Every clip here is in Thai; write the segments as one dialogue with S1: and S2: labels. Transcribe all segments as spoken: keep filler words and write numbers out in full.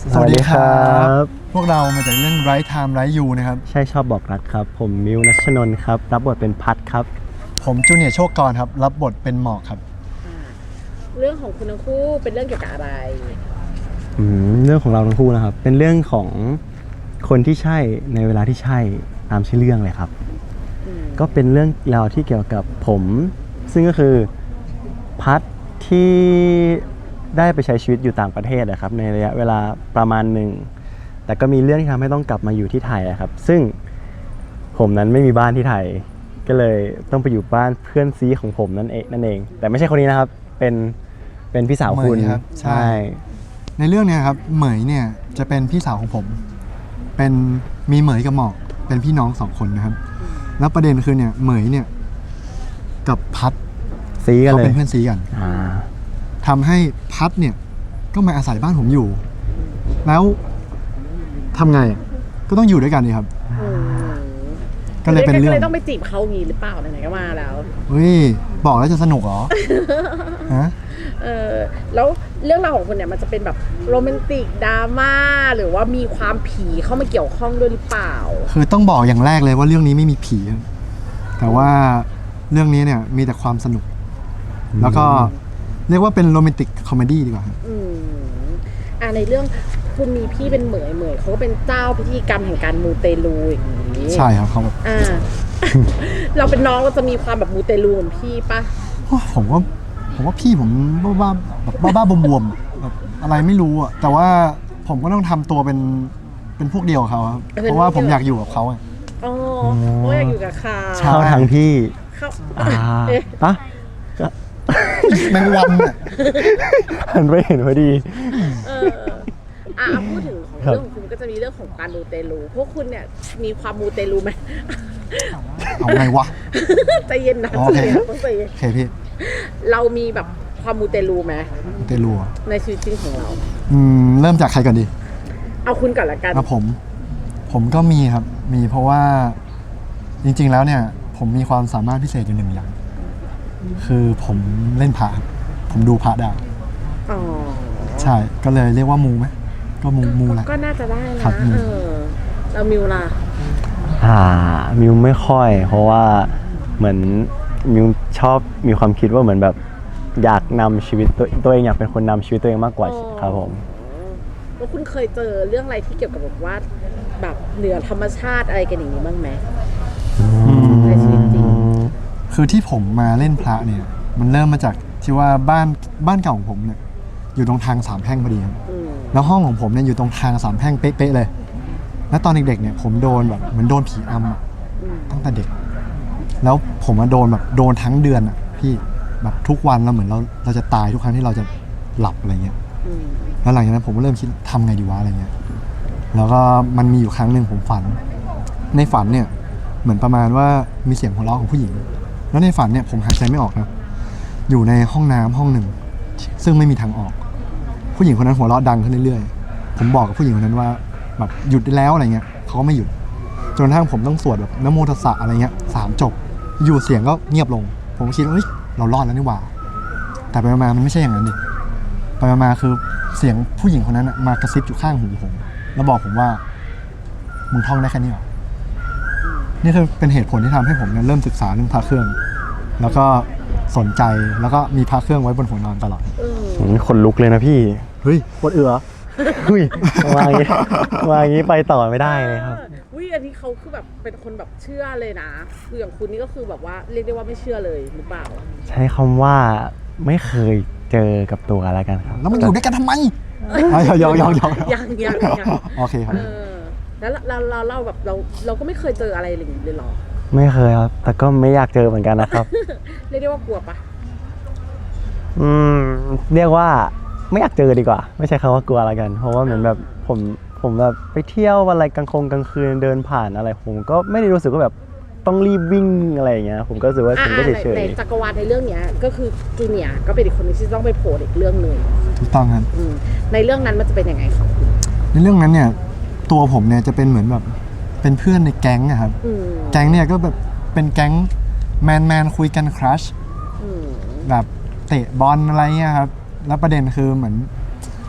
S1: สวัสดีครับพวกเรามาจากเรื่อง Right Time Right You นะครับ
S2: ใช่ชอบบอกรักครับผมมิวนัชนนท์ครับรับบทเป็นพัดครับ
S1: ผมจูเนียร์โชคกรครับรับบทเป็นหมอกครับ
S3: เรื่องของคุณทั้งคู่เป็นเรื่องเกี่ยวกับอะไร
S2: อืมเรื่องของเราทั้งคู่นะครับเป็นเรื่องของคนที่ใช่ในเวลาที่ใช่ตามชื่อเรื่องเลยครับก็เป็นเรื่องราวที่เกี่ยวกับผมซึ่งก็คือพัดที่ได้ไปใช้ชีวิตอยู่ต่างประเทศนะครับในระยะเวลาประมาณหนึ่งแต่ก็มีเรื่องที่ทำให้ต้องกลับมาอยู่ที่ไทยครับซึ่งผมนั้นไม่มีบ้านที่ไทยก็เลยต้องไปอยู่บ้านเพื่อนซีของผมนั่นเองนั่นเองแต่ไม่ใช่คนนี้นะครับเป็นเป็นพี่สาวคุณ
S1: ครับใช่ในเรื่องนี้ครับเหมยเนี่ยจะเป็นพี่สาวของผมเป็นมีเหมยกับหมอกเป็นพี่น้องสองคนนะครับแล้วประเด็นคือเนี่ยเหมยเนี่ยกับพัด
S2: ซีกันเลย
S1: เขาเป็นเพื่อนซีกันทำให้พัดเนี่ยก็มาอาศัยบ้านผมอยู่แล้วทำไงก็ต้องอยู่ด้วยกันนี่ครับ
S3: ก็เลยเป็นเรื่องก็เลยต้องไปจีบเขางี้หรือเปล่าไหนๆก็มาแล้ว
S1: เฮ้ยบอกแล้วจะสนุกเหรอฮะ
S3: เออแล้วเรื่องราวของคุณเนี่ยมันจะเป็นแบบโรแมนติกดราม่าหรือว่ามีความผีเข้ามาเกี่ยวข้องด้วยหรือเปล่า
S1: คือต้องบอกอย่างแรกเลยว่าเรื่องนี้ไม่มีผีแต่ว่าเรื่องนี้เนี่ยมีแต่ความสนุกแล้วก็เรียกว่าเป็นโรแมนติกคอมเมดี้ดีกว่า
S3: อืมอ่าในเรื่องคุณมีพี่เป็นเหมยเหมยเขาก็เป็นเจ้าพิธีกรรมแห่งการมูเตลูอย่างนี้
S1: ใช่ครับเขาแบบ
S3: อ่า เราเป็นน้องเราจะมีความแบบมูเตลูเหมือนพี่ปะ
S1: ผมว่าผมว่าพี่ผมบ้าบ้าแบบบ้าบ้าบวมๆแบบอะไรไม่รู้อ่ะแต่ว่าผมก็ต้องทำตัวเป็นเป็นพวกเดียวกับเขาครับเพราะว่าผมอยากอยู่กับเขาอ่ะ
S3: อ๋อเพราะอยากอยู่กับเขา
S2: เข้าทางพี่
S3: เข้า
S2: อ่าปะ
S1: แมงวันอ่ะ
S2: หันไปเห็นพอดี
S3: เอออ่ะพูดถึงของเรื่องของคุณก็จะมีเรื่องของการมูเตลูพวกคุณเนี่ยมีความมูเตลูไหม
S1: เอาไงวะ
S3: ใจเย็นนะ
S1: โอเค
S3: ต้องใจเย็น
S1: โอเคพี่
S3: เรามีแบบความมูเตลูไหม
S1: มูเตลู
S3: ในชีวิตจริงของเรา
S1: อืมเริ่มจากใครก่อนดี
S3: เอาคุณก่อนละกัน
S1: ผมผมก็มีครับมีเพราะว่าจริงๆแล้วเนี่ยผมมีความสามารถพิเศษอยู่หนึ่งอย่างคือผมเล่นพระผมดูพระได้
S3: อ๋อ
S1: ใช่ก็เลยเรียกว่ามูไหมก็มูมูแหละ
S3: ก็น่าจะได้นะเออแล้วมิวล่ะ
S2: อ่ามิวไม่ค่อยเพราะว่าเหมือนมิวชอบมีความคิดว่าเหมือนแบบอยากนำชีวิตตัวตัวเองอยากเป็นคนนำชีวิตตัวเองมากกว่าครับผม
S3: แล้วคุณเคยเจอเรื่องอะไรที่เกี่ยวกับแบบว่าแบบเหนือธรรมชาติอะไรกันอย่างนี้บ้างไหมในชีวิตจริง
S1: คือที่ผมมาเล่นพระเนี่ยมันเริ่มมาจากที่ว่าบ้านบ้านเก่าของผมเนี่ยอยู่ตรงทางสามแพร่งพอดีครับแล้วห้องของผมเนี่ยอยู่ตรงทางสามแพร่งเป๊ะๆเลยแล้วตอนเด็กๆเนี่ยผมโดนแบบเหมือนโดนผีอำตั้งแต่เด็กแล้วผมมาโดนแบบโดนทั้งเดือนอ่ะพี่แบบทุกวันเราเหมือนเราเราจะตายทุกครั้งที่เราจะหลับอะไรเงี้ยแล้วหลังจากนั้นผมก็เริ่มคิดทำไงดีวะอะไรเงี้ยแล้วก็มันมีอยู่ครั้งหนึ่งผมฝันในฝันเนี่ยเหมือนประมาณว่ามีเสียงหัวเราะของผู้หญิงแล้วในฝันเนี่ยผมหายใจไม่ออกนะอยู่ในห้องน้ำห้องหนึ่งซึ่งไม่มีทางออกผู้หญิงคนนั้นหัวเราะดังขึ้นเรื่อยๆผมบอกกับผู้หญิงคนนั้นว่าแบบหยุดได้แล้วอะไรเงี้ยเขาก็ไม่หยุดจนกระทั่งผมต้องสวดแบบนะโมตัสสะอะไรเงี้ยสามจบอยู่เสียงก็เงียบลงผมคิดว่าเฮ้ยเรารอดแล้วนี่หว่าแต่ไปมามันไม่ใช่อย่างนั้นดิไปมาคือเสียงผู้หญิงคนนั้นมากระซิบอยู่ข้างหูผมแล้วบอกผมว่ามึงท่องได้แค่นี้หรอนี่คือเป็นเหตุผลที่ทำให้ผมเริ่มศึกษาเรื่องพระเครื่องแล้วก็สนใจแล้วก็มีพระเครื่องไว้บนหัวนอนตลอด
S2: คนลุกเลยนะพี่
S1: เฮ้ยปวดเอือ
S2: เฮ้ยมาอย่างนี้มาอย่างนี้ไปต่อไม่ได้เลยครับ
S3: วิอันนี้เขาคือแบบเป็นคนแบบเชื่อเลยนะคืออย่างคุณนี่ก็คือแบบว่าเรียกได้ว่าไม่เชื่อเลยหรือเปล่า
S2: ใช้คำว่าไม่เคยเจอกับตัวอะไรกันครับ
S1: แล้วมันอยู่ด้วยกันทำไมยองยองยองยอง
S3: ยังยังยัง
S1: โอเคครับ
S3: แล้วเราเราเราแบบเราเราก็ไม่เคยเจออะไรอย่างนี้เลยหรอ
S2: ไม่เคยครับแต่ก็ไม่อยากเจอเหมือนกันนะครับ
S3: เรียกได้ว่ากลัวปะ
S2: อืมเรียกว่าไม่อยากเจอดีกว่าไม่ใช่คำว่ากลัวอะไรกันเพราะว่าเหมือนแบบผมผมแบบไปเที่ยวอะไรกลางคงกลางคืนเดินผ่านอะไรผมก็ไม่ได้รู้สึกว่าแบบต้องรีบวิ่งอะไรอย่างเงี้ยผมก็รู้สึกว่าผมก็เฉยๆ
S3: ในจักรวาลในเรื่องเนี้ยก็คือจูเนียร์ก็เป็นอีกคนที่ต้องไปโผล่อีกเรื่องนึง
S1: ถูกต้องครับ
S3: ในเรื่องนั้นมันจะเป็นยังไงครับ
S1: ในเรื่องนั้นเนี่ยตัวผมเนี่ยจะเป็นเหมือนแบบเป็นเพื่อนในแก๊งอะครับแก๊งเนี่ยก็แบบเป็นแก๊งแมนแมนคุยกันครัชแบบเตะบอลอะไรเงี้ยครับแล้วประเด็นคือเหมือน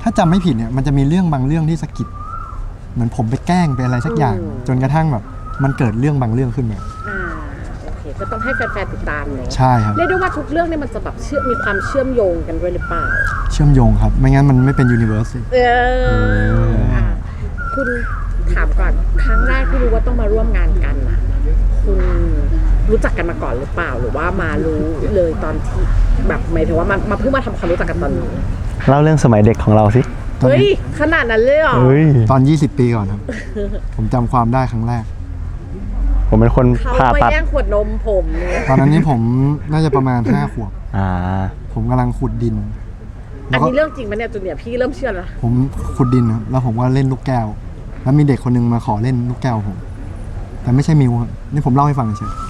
S1: ถ้าจำไม่ผิดเนี่ยมันจะมีเรื่องบางเรื่องที่สะกิดเหมือนผมไปแกล้งไปอะไรสักอย่าง จนกระทั่งแบบมันเกิดเรื่องบางเรื่องขึ้นมา
S3: อ่าโอเคก็ต้องให้แฟนๆติดตามเนาะ
S1: ใช่ครับ
S3: เรียกได้ว่าทุกเรื่องเนี่ยมันจะแบบเชื่อมมีความเชื่อมโยงกันด้วยหรือเปล่า
S1: เชื่อมโยงครับ ไม่งั้นมันไม่เป็นยูนิเวอร์ส
S3: เอออ่ะคุณถามก่อนครั้งแรกที่รู้ว่าต้องมาร่วมงานกันนะคุณรู้จักกันมาก่อนหรือเปล่าหรือว่ามารู้เลยตอนที่แบบหมายถึงว่ามามาเพิ่งมาทำความรู้จักกันตอนนี้
S2: เล่าเรื่องสมัยเด็กของเราสิ
S1: ตอน
S3: เฮ้ย
S1: นี้
S3: ขนาดนั้นเลยเหรอ
S2: เฮ้ย
S1: ตอน ยี่สิบ ปีก่อนครับ ผมจำความได้ครั้งแรก
S2: ผมเป็นคน
S3: เขา
S2: ผ่า
S3: ไป
S2: ตัด
S3: แย่งขวดนมผมเนี่ย
S1: ตอนนั้นนี่ผมน่าจะประมาณ ห้า ขวบ
S2: อ่า
S1: ผมกำลังขุดดิน
S3: อันนี้เรื่องจริงปะเนี่ยจุนเนี่ยพี่เริ่มเชื่อแล้ว
S1: ผมขุดดินครับแล้วผมก็เล่นลูกแก้ว แล้วมีเด็กคนหนึงมาขอเล่นลูกแก้วผม แต่ไม่ใช่มิวครับนี่ผมเล่าให้ฟังเฉย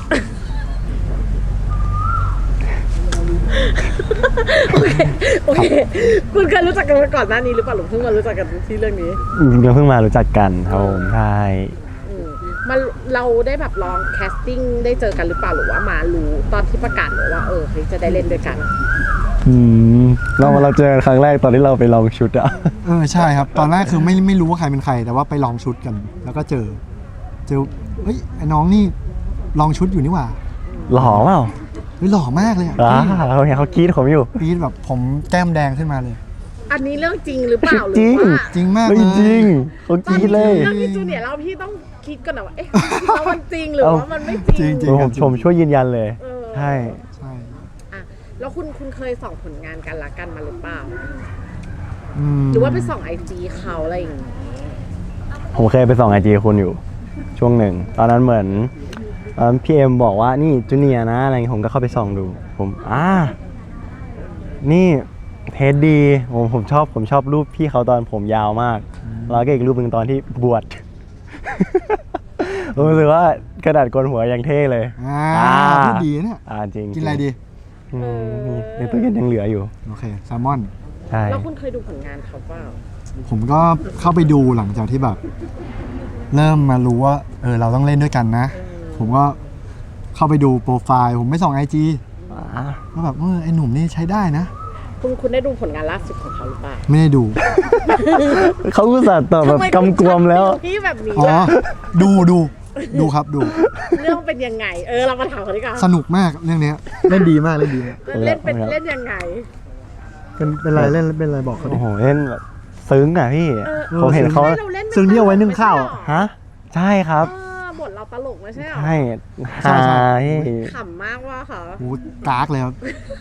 S3: โอเคโอเคคุณเคยรู้จักกันมาก่อนหน้านี้หรือเปล่าหรือเพิ่งมารู้จักกันที่เรื่องนี้
S2: เราเพิ่งมารู้จักกันครับผมใช่
S3: อืมมาเราได้แบบลองแคสติ้งได้เจอกันหรือเปล่าหรือว่ามารู้ตอนที่ประกาศเลยว่าเออเฮ้ยจะได้เล่นด้วยกัน
S2: อืมเรามาเราเจอกันครั้งแรกตอนที่เราไปลองชุดอะ
S1: ๆเออใช่ครับ ตอนแรกคือไม่ไม่รู้ว่าใครเป็นใคร แต่ว่าไปลองชุดกัน แล้วก็เจอ เจอเฮ้ยไอ้น้องนี่ลองชุดอยู่นี่หว่า
S2: หล่อเปล่า
S1: เฮ้ยหล่อมากเลยอ่ะ
S2: อ่าเขาเห็นเขากรี๊ดผมอยู่
S1: ปีดแบบผมแก้มแดงขึ้นมาเลย
S3: อันนี้เรื่องจริงหรือเปล่าหรื
S2: จริ
S3: อง ว่า
S1: จริงมาก
S2: เรื่
S1: เล
S2: อง
S1: ย
S2: จริงเขาก
S3: ตอน
S2: รี๊ด
S3: นี้
S2: เลย
S3: เรื่องที่จูเนียร์เราพี่ต้องคิดก่อนนะว่าเอ๊ะจริงๆแล้วมันจริงหรือว่ามันไม่จริง
S1: จริง
S2: ผมผมช่วยยืนยันเลย
S3: เออ
S2: ใช่
S1: ใช่
S3: อ่ะแล้วคุณคุณเคยส่องผลงานกันละกันมาหรือเปล่า
S1: ม
S3: หรือว่าไปส่องไอจีเขาอะไรอย่างงี้
S2: ผมเคยไปส่องไอจีคุณอยู่ ช่วงหนึ่ง ตอนนั้นเหมือนตอนพี่เอ็มบอกว่านี่จูเนียร์นะอะไรเงี้ยผมก็เข้าไปส่องดู ผมอ่านี่เทสดีผมผมชอบผมชอบรูปพี่เขาตอนผมยาวมาก แล้วก็อีกรูปหนึ่งตอนที่บวช ผมรู้สึกว่ากระดาษโกนหัวยังเท่เลย
S1: อ่า
S2: อ่า
S1: พูดดีนะเนี่ย
S2: อ่าจริง
S1: กินอะไรดี
S2: อืมมีในตู้เย็นยังเหลืออยู่
S1: โอเคแซลมอน
S2: ใช่
S3: แล้วคุณเคยดูผลงานเขาเปล่า
S1: ผมก็เข้าไปดูหลังจากที่แบบ เริ่มมารู้ว่า เออเราต้องเล่นด้วยกันนะ ผมก็เข้าไปดูโปรไฟล์ ผมไม่ส่องไอจี
S2: อ่า
S1: ก็แบบเออไอหนุ่มนี่ใช้ได้นะ
S3: คุณคุณได้ดูผลงานล่าสุดของเขาหรือเปล่า
S1: ไม่ได้ดู
S2: เขาอุตส่าห์ตอบแบบ
S3: ทำไม
S2: กำกวมแล้ว
S3: คุณชอบพี่แบบนี้
S1: อ๋อ
S3: ล่ะ
S1: ดูดูดูครับดู
S3: เรื่องเป็นยังไง เออเรามาถามเขาดีกว่า
S1: สนุกมากเรื่องเนี้ยเล่นดีมากเล่นดีมาก
S3: เล่นเป็น
S2: เอาละ
S3: เล่นยังไง
S1: เป็นเป็นไรเล่นเป็นไรบอกเขาดิ
S2: โอ้โหเล่นแบบซึ้งอ่ะพี่
S3: เออ
S2: ผมเห็นเขา
S3: เราเล่น
S1: ซึ่งที่เอาไว้นึ่งข้าว
S2: ฮะ ใช่ครับ
S3: เออบทเราตลกไม่ใช่หรอ
S2: ใช่
S1: ใช่ใช่
S2: ใช่
S3: ขำมากว่าค่ะ
S1: โหกากเลยครับ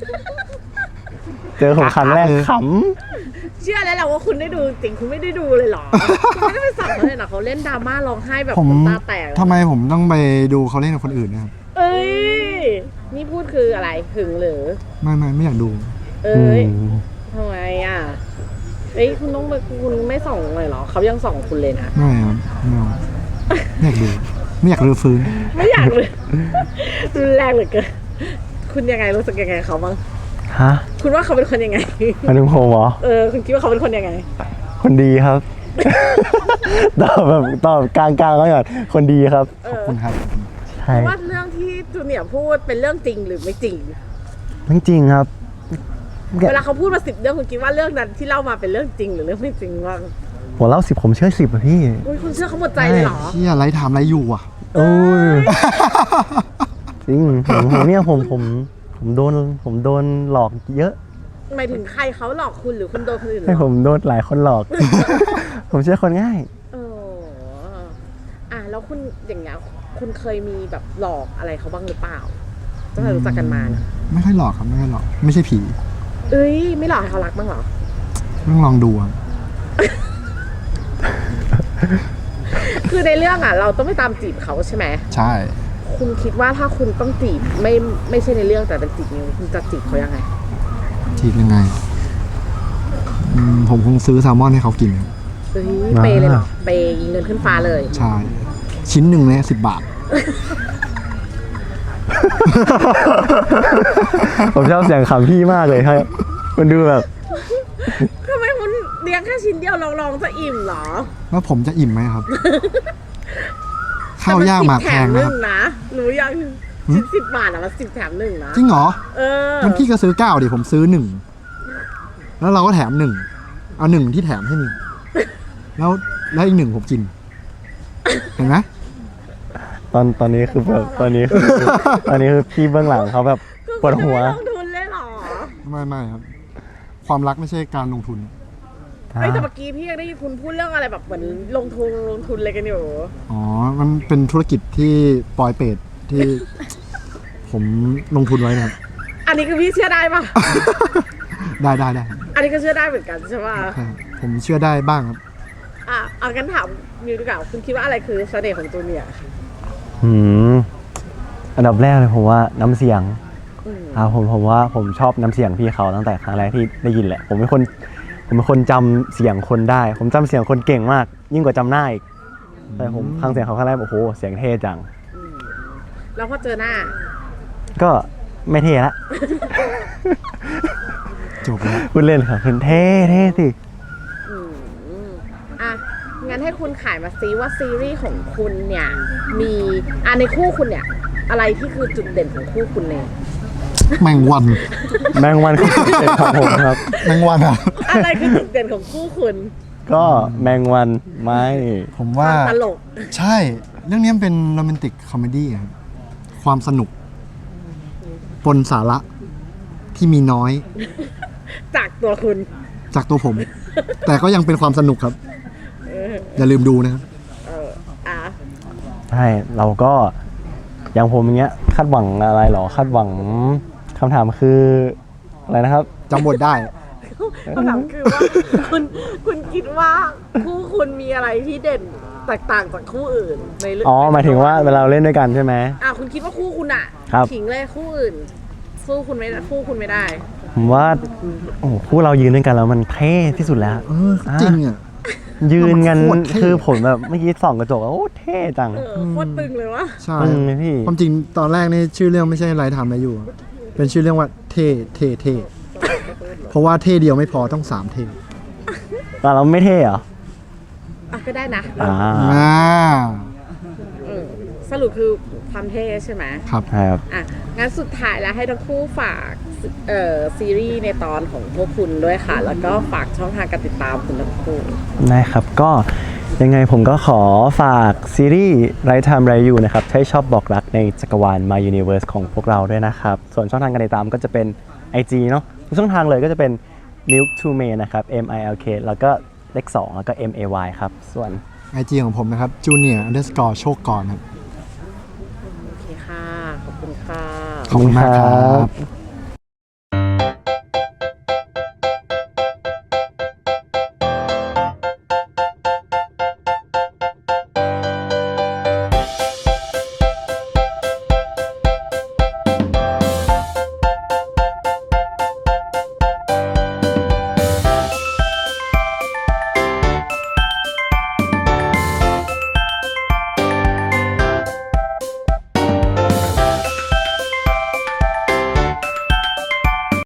S2: เจอผมครั้งแรก
S1: เออ
S2: ข
S3: เชื่อแล้วแหละว่าคุณได้ดูจริงคุณไม่ได้ดูเลยเหรอ คุณไม่ได้ไปสั่งเขาเลยนะเขาเล่นดราม่าร้องไห้แบบ
S1: ผม
S3: น้ำตาแตก
S1: ทำไมผมต้องไปดูเขาเล่นกับคนอื่นนะครับ
S3: เอ้ยนี่พูดคืออะไรหึงหรือ
S1: ไม่ไม่ไม่อยากดู
S3: เอ้
S2: ำอื
S3: ย
S2: ม
S3: ทำไมอ่ะเอ้ยคุณต้องไปคุณไม่ส่องเลยเหรอเขายังส่องคุณเลยนะ
S1: ไม่ครับไม่เอาไม่อยากดู ไม่อยากรื้อฟื้น
S3: ไม่อยากเลยรุนแรงเหลือเกินคุณยังไงรู้สึกยังไงกับเขาบ้าง
S2: ฮะ
S3: คุณว่าเขาเป็นคนยังไง
S2: มาถึงผมเหรอ
S3: เออคุณคิดว่าเขาเป็นคนยังไง
S2: คนดีครับ ตอบแบบตอบกลางๆแล้วก่อนคนดีครับ
S3: เอ
S1: ขอบ
S3: อ
S1: คุณครับ
S2: ใช่
S3: ว่าเรื่องที่จูเนียร์พูดเป็นเรื่องจริงหรือไม่จริง
S2: จริงๆครับ
S3: เวลาเขาพูดมาสิบเรื่องคุณคิดว่าเรื่องนั้นที่เล่ามาเป็นเรื่องจริงหรือเรื่องไม่จริงบ้าง
S2: หัวเล่าสิบผมเชื่อสิบอะพี่
S3: อุ้ยคุณเชื่อเขาหมดใจเลยเหรอ
S1: เชี่ยไรถามไรอยู่อ่ะ
S2: โอ้ยจริงผมผมเนี่ยผมผมผมโดนผมโดนหลอกเยอะ
S3: หมายถึงใครเขาหลอกคุณหรือคุณโดนคนอื่นหล
S2: ให้ผ
S3: อก
S2: มโดนหลายคนหลอก ผมเชื่อคนง่าย
S3: เอออ่ะแล้วคุณอย่างเงี้ยคุณเคยมีแบบหลอกอะไรเขาบ้างหรือเปล่าตั้งแต่รู้จักกันมานะ
S1: ไม่ค่อยหลอกครับไม่ค่อยหลอก ไม่ใช่ผี
S3: เอ้ยไม่หลอกให้เขารักบ้างเหรอ
S1: ต้องลองดูอะ
S3: คือในเรื่องอ่ะ เราต้องไม่ตามจีบเขาใช่ไหม
S1: ใช่
S3: คุณคิดว่าถ้าคุณต้องจีบไม่ไม่ใช่ในเรื่องแต่เป็นจีบนิ้วคุณจะจีบเขายังไง
S1: จีบยังไงอืมผมคงซื้อแซลมอนให้เขากินครับ
S3: เฮ้ยเปย์เลยเหรอเปย์ยิงเงินขึ้นฟ้าเลย
S1: ใช่ ชิ้นหนึ่งเนี่ยสิบบาท
S2: ผมชอบเสียงขำพี่มากเลยครับ มันดูแบบ
S3: ทำไมคุณเลี้ยงแค่ชิ้นเดียวลองลองจะอิ่มเหรอ
S1: แล้วผมจะอิ่มไหมครับ ข้าวยากหมากแพง
S3: แต่
S1: นะ
S3: มันสิบแถมหนึ่งนะรู้ยังชิ้นสิบบาทอ่ะมันสิบแถมหนึ่งนะ
S1: จริงเหรอ
S3: เออ
S1: งั้นพี่ก็ซื้อเก้าดิผมซื้อหนึ่งแล้วเราก็แถมหนึ่งเอาหนึ่งที่แถมให้หนึ่งแล้วแล้วอีกหนึ่งผมกิน เห็นไหม
S2: ตอนตอนนี้คือแบบตอนนี้คือตอนนี้คือพี่เบื้องหลังเขาแบบปวดหัว
S3: ลงทุนเลยเหรอ
S1: ไม่ไม่ครับ ความรักไม่ใช่การลงทุน
S3: เฮ้ยแต่เมื่อกี้พี่ยังได้ยินคุณพูดเรื่องอะไรแบบเหมือนลงทุนลงทุนอะไรกันอยู่
S1: อ๋อ มันเป็นธุรกิจที่ปลอยเปรตที่ ผมลงทุนไว้นะครับ
S3: อันนี้คือพี่เชื่อได้ปะ
S1: ได้ได้ได้
S3: อันนี้ก็เชื่อได้เหมือนกันใช่ปะ
S1: ใช่ครับผมเชื่อได้บ้างครับ
S3: อ่ะเอากันถามมิวดีกว่าคุณคิดว่าอะไรคือเสน่ห์ของจูเนียร์
S2: อืมอันดับแรกเลยผมว่าน้ำเสียง
S3: อืม
S2: อ่าผมผมว่าผมชอบน้ำเสียงพี่เขาตั้งแต่ครั้งแรกที่ได้ยินแหละ ผมเป็นคนผมเป็นคนจำเสียงคนได้ ผมจำเสียงคนเก่งมาก ยิ่งกว่าจำหน้าอีกแต่ผมฟังเสียงเขาครั้งแรกโอ้โหเสียงเท่จัง
S3: อืมแล้วพอเจอหน้า
S2: ก็ไม่เท่ละ
S1: จบแล้ว
S2: พูดเล่นครับคุณเท่เท่สิ
S3: อืมอ่ะงั้นให้คุณขายมาซิว่าซีรีส์ของคุณเนี่ย มีอ่ะในคู่คุณเนี่ย อะไรที่คือจุดเด่นของคู่คุณเนี่ย
S1: แมงวัน
S2: แมงวันคือจุดเด่นของผมครับ
S1: แมงวันอ่ะ
S3: อะไรคือจุดเด่นของคู่คุณ
S2: ก็แมงวันไม่
S1: ผม
S3: ค
S1: ว่า
S3: วามตลก
S1: ใช่ เรื่องนี้มันเป็นโรแมนติกคอมเมดี้ครับความสนุก ปนสาระที่มีน้อย
S3: จากตัวคุณ
S1: จากตัวผม แต่ก็ยังเป็นความสนุกครับ อย่าลืมดูนะครับ
S3: เอออ่ะ
S2: ใช่เราก็อย่างผมอย่างเงี้ยคาดหวังอะไรหรอคาดหวังคำถามคืออะไรนะครับ
S1: จำบทได้
S3: คำถามคือว่าคุณคุณคิดว่าคู่คุณมีอะไรที่เด่นแตกต่างจากคู่อื่นในเรื่อง
S2: อ๋อหมายถึงว่าเวลาเราเล่นด้วยกันใช่ไหม
S3: อ่ะคุณคิดว่าคู่คุณอ่ะ
S2: ครับ
S3: ขิงเลยคู่อื่นสู้คุณไม่คู่คุณไม่ได้
S2: ผมว่าโอ้โหคู่เรายืนด้วยกันแล้วมันเท่ที่สุดแล้ว
S1: เออจริงอ่ะ
S2: ยืนกัน
S1: มันโคตรเท่
S2: คือผมแบบเมื่อกี้ส่องกระจกแล้วโอ้เท่จัง
S3: เออโคตรตึงเลยวะ
S1: ใช่
S2: ตึงเลยพี่
S1: ความจริงตอนแรกนี่ชื่อเรื่องไม่ใช่ไรทำอะไรอยู่ เป็นชื่อเรื่องว่าเท่เท่เท่เพราะว่าเท่เดียวไม่พอต้องสามเท่
S2: แต่เราไม่เท่เหรอ
S3: อ่ะก็ได้นะ
S2: อ่า
S1: อ่า
S3: เออสรุปคือความเท่ใช่ไหม
S1: ครับ
S2: ใช่ครับ
S3: อ่ะงั้นสุดท้ายแล้วให้ทั้งคู่ฝากเอ่อซีรีส์ในตอนของพวกคุณด้วยค่ะ แล้วก็ฝากช่องทางการติดตามคุณทั้งคู่
S2: ได้ครับก็ยังไงผมก็ขอฝากซีรีส์ไรทำไรอยู่นะครับให้ชอบบอกรักในจักรวาล My Universe ของพวกเราด้วยนะครับ ส่วนช่องทางการติดตามก็จะเป็น ไอ จี เนาะทุกช่องทางเลยก็จะเป็น Milk to May นะครับ M I L K แล้วก็เลขสองแล้วก็ M A Y ครับ ส่วน
S1: ไอจีของผมนะครับ junior underscore โชคกรครับ
S3: โอเคค่ะ ขอบคุณค่ะ
S1: ขอบคุณมากครั
S2: ขอบคุณครับ บ